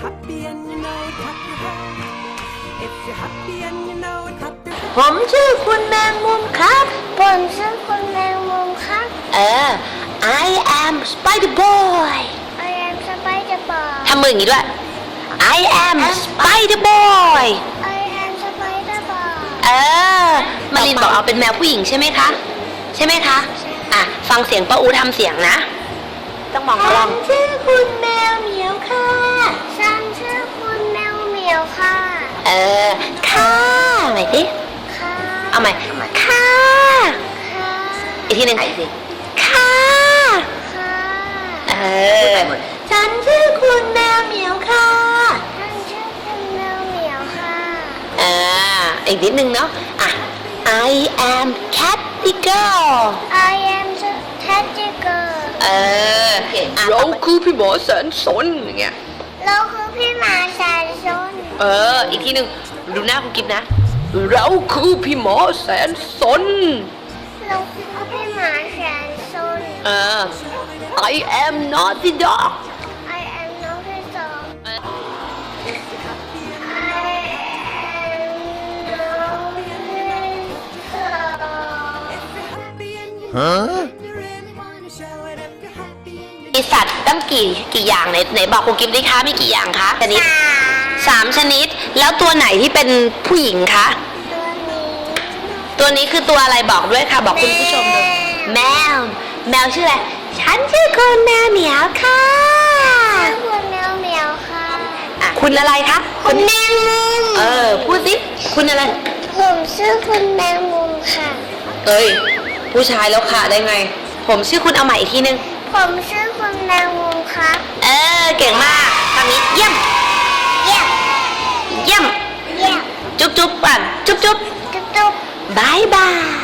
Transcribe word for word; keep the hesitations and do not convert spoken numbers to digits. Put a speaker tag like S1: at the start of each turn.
S1: happy and you know it, clap your hands. If you're happy and you know it, clap your hands.
S2: ผมชื่อคุณแมงมุมครับ
S3: ผมชื่อคุณแมงมุมครับ
S2: เออ I am Spider Boy
S3: I am Spider Boy
S2: ทำมืออย่างนี้ด้วย I am Spider Boy
S3: I am Spider Boy
S2: เออมารินบอกเอาเป็นแมวผู้หญิงใช่ไหมคะใช่ไหมคะอ่ะฟังเสียงป้าอูทำเสียงนะต้องมองกล้องชื่อคุณแมวเหมียวค่ะ
S3: ฉันชื่อคุณแมวเหมียวค่ะ
S2: เออค่ะใหม่ดิ
S3: ค่ะ
S2: เอาใหม่ค่ะ
S3: ค่ะ
S2: อีกทีหนึ่งค่ะ
S3: ค่ะ
S2: เออฉันชื่อคุณแมวเหมียวค่ะ
S3: ฉันชื่อคุณแมวเหมียวค่ะ
S2: อ่าอีกนิดนึงเนาะอ่ะ I am Catty Girl
S3: I am Teddy Girl
S2: เอออ่ะ
S4: เราคือพี่หมอแสนสนอย่างเงี้ย
S3: เราคือพี่หมาแสนซน
S2: เอออีกทีหนึ่งดูหน้าคุณกิฟนะ
S4: เราคือพี่หมอแสนสน
S3: เราคือพี่หมาแสนซน
S2: เออ
S4: I am naughty dog
S3: I am naughty dog I am naughty dog
S1: Huh? You really wanna show it if you're happy and you
S2: มีสัตว์ตั้งกี่กี่อย่างไหนไหนบอกคุณกิฟดิคะมีกี่อย่างคะชนิดสามชนิดแล้วตัวไหนที่เป็นผู้หญิงคะ
S3: ตัวนี้
S2: ตัวนี้คือตัวอะไรบอกด้วยค่ะ บอกคุณผู้ชมด้วยแมวแมวชื่ออะไรฉันชื่อคุณแมวเหมียวค่ะ
S3: ชื่อคุณแมวเหมียวค่ะ
S2: อ่ะคุณอะไรคะ
S3: คุณแมงมุม
S2: เออพูดสิคุณอะไร
S3: ผมชื่อคุณแมงมุมค่ะ
S2: เอ้ยผู้ชายแล้วค่ะได้ไง ผมชื่อคุณเอาใหม่อีกทีนึง
S3: ผมชื่อคุณแมงมุมครับ
S2: เออเก่งมากคำนี้เยี่ยม
S3: เยี่ยม
S2: เยี่ยม
S3: เยี่ยม
S2: จุ๊บจุ๊บก่อนจุ๊บจุ๊บ
S3: จุ๊บจุ๊บบ
S2: ายบาย